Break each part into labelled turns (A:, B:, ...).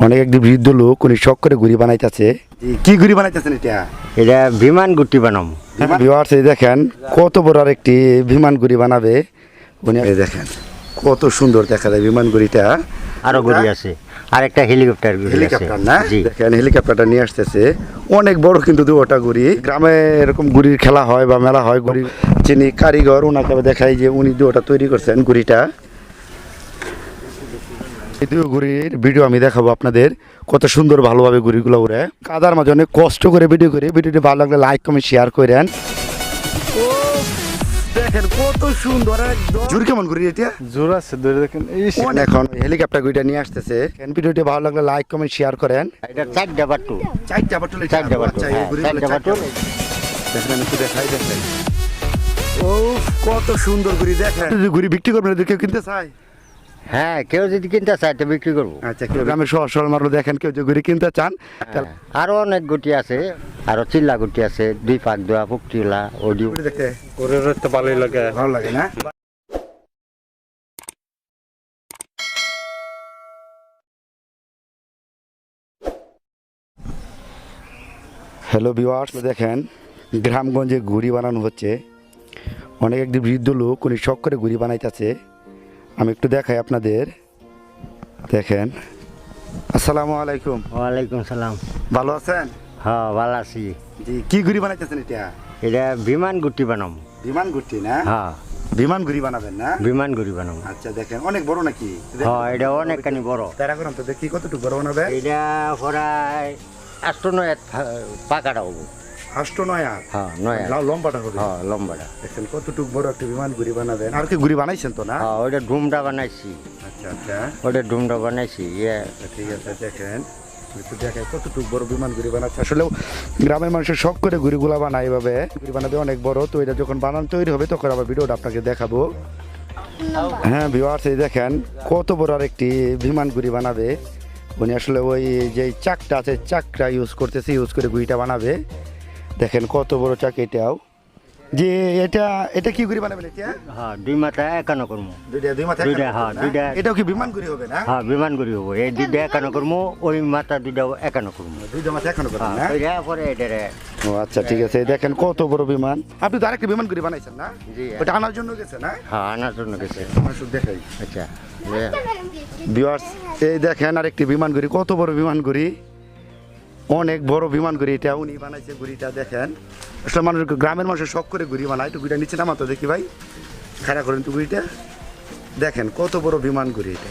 A: অনেক একটি বৃদ্ধ লোক উনি শখ করে ঘুড়ি বানাইতেছে। কি ঘুড়ি বানাইতেছেন এটা?
B: এটা বিমান গুটি বানাম।
A: ভিউয়ার্স এই দেখেন কত বড় আর একটি বিমান ঘুড়ি বানাবে উনি। এই দেখেন কত সুন্দর দেখা যায় বিমান ঘুড়িটা।
B: আরো গুড়ি আছে, আর একটা হেলিকপ্টার গুড়ি আছে।
A: হেলিকপ্টার না?
B: জি।
A: দেখেন হেলিকপ্টারটা নিয়ে আসতেছে, অনেক বড় কিন্তু দুটা ঘুড়ি। গ্রামে এরকম ঘুড়ির খেলা হয় বা মেলা হয়, ঘুড়ি যিনি কারিগর ওনাকে দেখাই যে উনি দুটা তৈরি করছেন ঘুড়িটা। এই দুই ঘুড়ির ভিডিও আমি দেখাবো আপনাদের, কত সুন্দর ভালোভাবে ঘুড়িগুলো উড়ে। কাদার মাঝে অনেক কষ্ট করে ভিডিও করে। ভিডিওটি ভালো লাগলে লাইক কমেন্ট শেয়ার করেন। দেখেন কত সুন্দর একদম। জোর কেমন ঘুড়ি এটা?
C: জোর আছে ধরে দেখেন।
A: এখন হেলিকপ্টার ঘুড়িটা নিয়ে আসতেছে। ভিডিওটি ভালো লাগলে লাইক কমেন্ট শেয়ার করেন।
B: এটা চারটা বাটু।
A: চারটা বাটুল,
B: চারটা বাটু, হ্যাঁ, চারটা বাটু।
A: দেখেন একটু দেখাই দেখেন। ও কত সুন্দর ঘুড়ি দেখেন। ঘুড়ি বিক্রি করবেন, কেউ কিনতে চায়?
B: হ্যাঁ, কেউ যদি কিনতে চায় তো বিক্রি করবো।
A: আচ্ছা, কেউ গ্রামের সহজ সরল মানুষ দেখেন কেউ যদি ঘুড়ি কিনতে চান তাহলে
B: আরো অনেক গুটি আছে, আরো চিল্লা গুটি আছে, দুই পাক দেওয়া পুকটিলা ওডিও।
A: ঘুড়ি দেখতে
C: ওরে তো ভালোই লাগে।
A: ভালো লাগে না? হ্যালো ভিউয়ার্স, দেখেন গ্রামগঞ্জে ঘুড়ি বানানো হচ্ছে। অনেক একটি বৃদ্ধ লোক উনি শখ করে ঘুড়ি বানাইতেছে। আমি একটু দেখাই আপনাদের, দেখেন। আসসালামু আলাইকুম।
B: ওয়ালাইকুম সালাম।
A: ভালো আছেন?
B: হ্যাঁ, ভালো আছি।
A: জি, কি ঘুড়ি বানাইতেছেন এটা?
B: এটা বিমান গুটি বানাম।
A: বিমান ঘুড়ি না?
B: হ্যাঁ,
A: বিমান ঘুড়ি বানাবেন না?
B: বিমান গুটি বানাম।
A: আচ্ছা, দেখেন অনেক বড় নাকি?
B: হ্যাঁ, এটা অনেকখানি বড়।
A: তারা করেন তো দেখি কতটুকু বড় বানাবে।
B: এটা প্রায় 8-9 পাকাটা হবো।
A: 8-9 হাত।
B: হ্যাঁ, 9
A: লম্বাটা হবে।
B: হ্যাঁ, লম্বাটা।
A: দেখেন কতটুকু বড় একটা বিমান ঘুড়ি বানাবেন। আর কি ঘুড়ি বানাইছেন তো না?
B: হ্যাঁ, ওইটা ডুমটা বানাইছি।
A: আচ্ছা আচ্ছা,
B: ওইটা ডুমটা বানাইছি।
A: ঠিক আছে। দেখেন একটু দেখাই কতটুকু বড় বিমান ঘুড়ি বানাচ্ছে। আসলেও গ্রামের মানুষের শখ করে ঘুড়িগুলা বানায় এভাবে। ঘুড়ি বানাবে অনেক বড়, তো এটা যখন বানানো তৈরি হবে তখন আবার ভিডিওটা আপনাকে দেখাবো। হ্যাঁ ভিউয়ার্স, এই দেখেন কত বড় আর একটি বিমান ঘুড়ি বানাবে উনি। আসলে ওই যে চাকটা আছে চাকটা ইউজ করতেছে, ইউজ করে ঘুড়িটা বানাবে। দেখেন কত বড় চাক এটাও। যে এটা এটা কি ঘুড়ি বানাবেন এটা?
B: হ্যাঁ, দুই মাথা একানো করবো।
A: দুই মাথা
B: দুইটা, হ্যাঁ, দুইটা।
A: এটাও কি বিমান ঘুড়ি হবে না?
B: হ্যাঁ, বিমান করি হবো। এই দুইটা একানো করবো, ওই মাথা দুইটা একানো করবো।
A: দুইটা মাথা এখনো করবেন না?
B: হ্যাঁ, ওইটা পরে এটারে।
A: ও আচ্ছা, ঠিক আছে। দেখেন কত বড় বিমান। আপনি তো আরেকটা বিমান ঘুড়ি বানাইছেন না?
B: জি।
A: ওটা আনার জন্য গেছে না?
B: হ্যাঁ, আনার জন্য গেছে।
A: আমার শুধু দেখাই।
B: আচ্ছা।
A: ভিউয়ার্স, এই দেখেন আরেকটি বিমান ঘুড়ি, কত বড় বিমান ঘুড়ি। অনেক বড় বিমান ঘুড়ি এটা উনি বানাইছে ঘুড়িটা। দেখেন আসলে মানুষ, গ্রামের মানুষের শখ করে ঘুড়ি বানায়। একটু ঘুড়িটা নিচে নামাতো দেখি ভাই, খাড়া করেন তো ঘুড়িটা। দেখেন কত বড় বিমান ঘুড়ি এটা।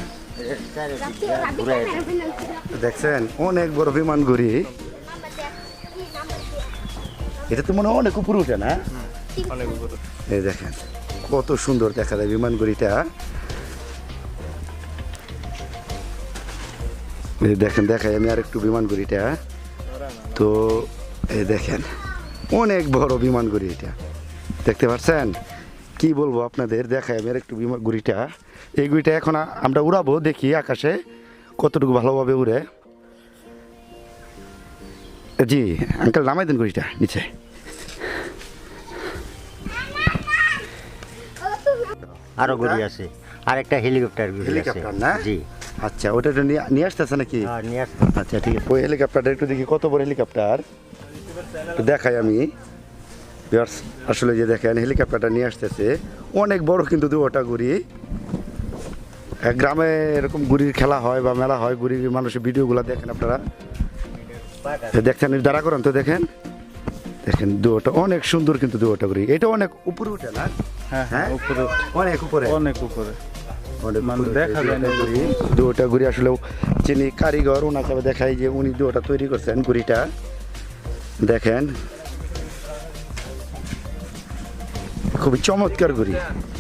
A: দেখছেন অনেক বড় বিমান ঘুড়ি। এটা তো মনে হয় অনেক উপরে উঠে না?
C: অনেক উপরে।
A: এই দেখেন কত সুন্দর দেখা যায় বিমান ঘুড়িটা। এই দেখেন, দেখাই আমি আর একটু বিমান ঘুড়িটা। তো এই দেখেন অনেক বড় বিমান ঘুড়ি এটা, দেখতে পাচ্ছেন? কি বলবো আপনাদের, দেখাই আমি আর একটু বিমান ঘুড়িটা। এই ঘুড়িটা এখন আমরা উড়াবো, দেখি আকাশে কতটুকু ভালোভাবে উড়ে। জি আঙ্কেল, নামাই দেন ঘুড়িটা নিচে।
B: আরো গুড়ি আছে, আর একটা হেলিকপ্টার গুড়ি আছে।
A: হেলিকপ্টার না?
B: জি।
A: আচ্ছা, ওটা নিয়ে আসতেছে নাকি?
B: হ্যাঁ, নিয়ে আসতে।
A: আচ্ছা ঠিক আছে। ওই হেলিকপ্টারটা একটু দেখি কত বড় হেলিকপ্টার, একটু দেখাই আমি। ভিউয়ার্স, আসলে যে দেখেন হেলিকপ্টারটা নিয়ে আসতেছে, অনেক বড় কিন্তু দুটা ঘুড়ি। গ্রামে এরকম ঘুড়ির খেলা হয় বা মেলা হয়, ঘুড়ির মানুষের ভিডিওগুলো দেখেন আপনারা। দেখছেন দাঁড়া করেন তো, দেখেন দেখেন দুটা অনেক সুন্দর কিন্তু দুটা ঘুড়ি। এটা অনেক উপরে উঠে না?
C: হ্যাঁ হ্যাঁ, উপরে।
A: অনেক উপরে,
C: অনেক উপরে।
A: অনেক
C: মানে
A: উপরে
C: দেখা যায় না
A: ঘুড়ি। দুটা ঘুড়ি আসলেও যিনি কারিগর ওনাকে দেখাই যে উনি দুটা তৈরি করছেন ঘুড়িটা। দেখেন খুবই চমৎকার ঘুড়ি।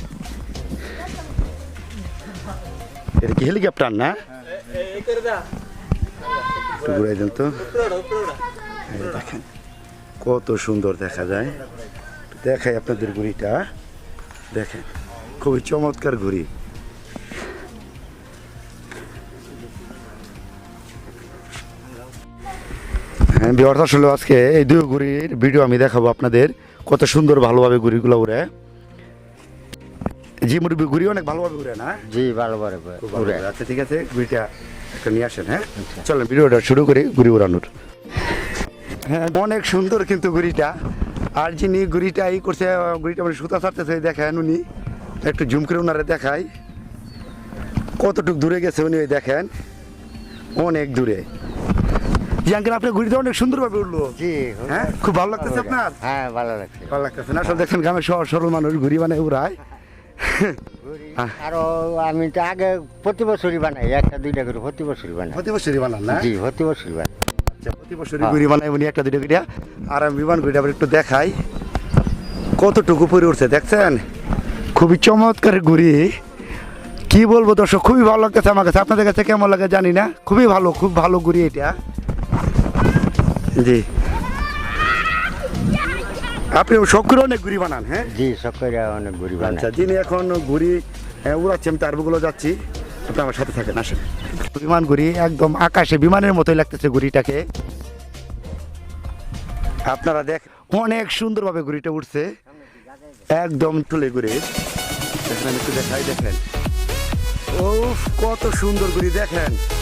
A: এটা কি হেলিকপ্টার না? একটু ঘুরাই দেন তো। এই দেখেন কত সুন্দর দেখা যায়। দেখাই আপনাদের ঘুড়িটা, দেখেন খুবই চমৎকার ঘুড়ি। হ্যাঁ ভিউয়ার্স, আসলে আজকে এই দুই ঘুড়ির ভিডিও আমি দেখাবো আপনাদের, কত সুন্দর ভালোভাবে ঘুড়িগুলো উড়ে। জি মুরব্বী ঘুরি অনেক ভালোভাবে ঘুরে না?
B: জি ভালো করে
A: খুব ভালো
B: ঘুরে।
A: ঘুরে। আচ্ছা ঠিক আছে, ঘুরিটা একটা নিয়ে আসেন। হ্যাঁ চলেন ভিডিওটা শুরু করি ঘুরি উড়ানোর। হ্যাঁ অনেক সুন্দর কিন্তু ঘুরিটা। আর যিনি ঘুরিটা ই করছে, ঘুরিটা মানে সুতা ছাড়তেছে, দেখেন উনি একটু জুম করে ওনারে দেখাই কতটুকু দূরে গেছে উনি, ওই দেখেন অনেক দূরে। জি আঙ্কেল আপনার ঘুরিটা অনেক সুন্দরভাবে উঠলো।
B: জি
A: হ্যাঁ খুব ভালো লাগতেছে আপনার?
B: হ্যাঁ ভালো লাগছে।
A: ভালো লাগতেছে না? আসলে দেখছেন গ্রামের সহজ সরল মানুষ ঘুরি বানায় উড়ায়।
B: আরো আমি তো আগে প্রতি বছরই বানাই, একটা দুইটা করে প্রতি বছরই বানাই।
A: প্রতি বছরই বানান না?
B: জি প্রতি বছরই বানাই।
A: আচ্ছা প্রতি বছরই ঘুরি বানায় উনি একটা দুটো ঘুরিয়া। আর আমি বিমান ঘুরিটা আবার একটু দেখাই কতটুকু পরে উঠছে, দেখছেন খুবই চমৎকার ঘুরি। কি বলবো দর্শক, খুবই ভালো লাগতেছে আমার কাছে। আপনাদের কাছে কেমন লাগে জানি না, খুবই ভালো, খুব ভালো ঘুরি এটা। জি আপনি শখ করে অনেক ঘুরি বানান? হ্যাঁ
B: জি সকলে অনেক ঘুরি বানাই।
A: আচ্ছা যিনি এখন ঘুরি উড়াচ্ছি আমি তারগুলো যাচ্ছি, আপনি আমার সাথে থাকেন আসেন। বিমান ঘুরি একদম আকাশে বিমানের মতোই লাগতেছে ঘুরিটাকে। আপনারা দেখ অনেক সুন্দরভাবে ঘুরিটা উঠছে, একদম তুলে ঘুরে দেখেন, আমি একটু দেখাই, দেখেন ও কত সুন্দর ঘুরি দেখেন।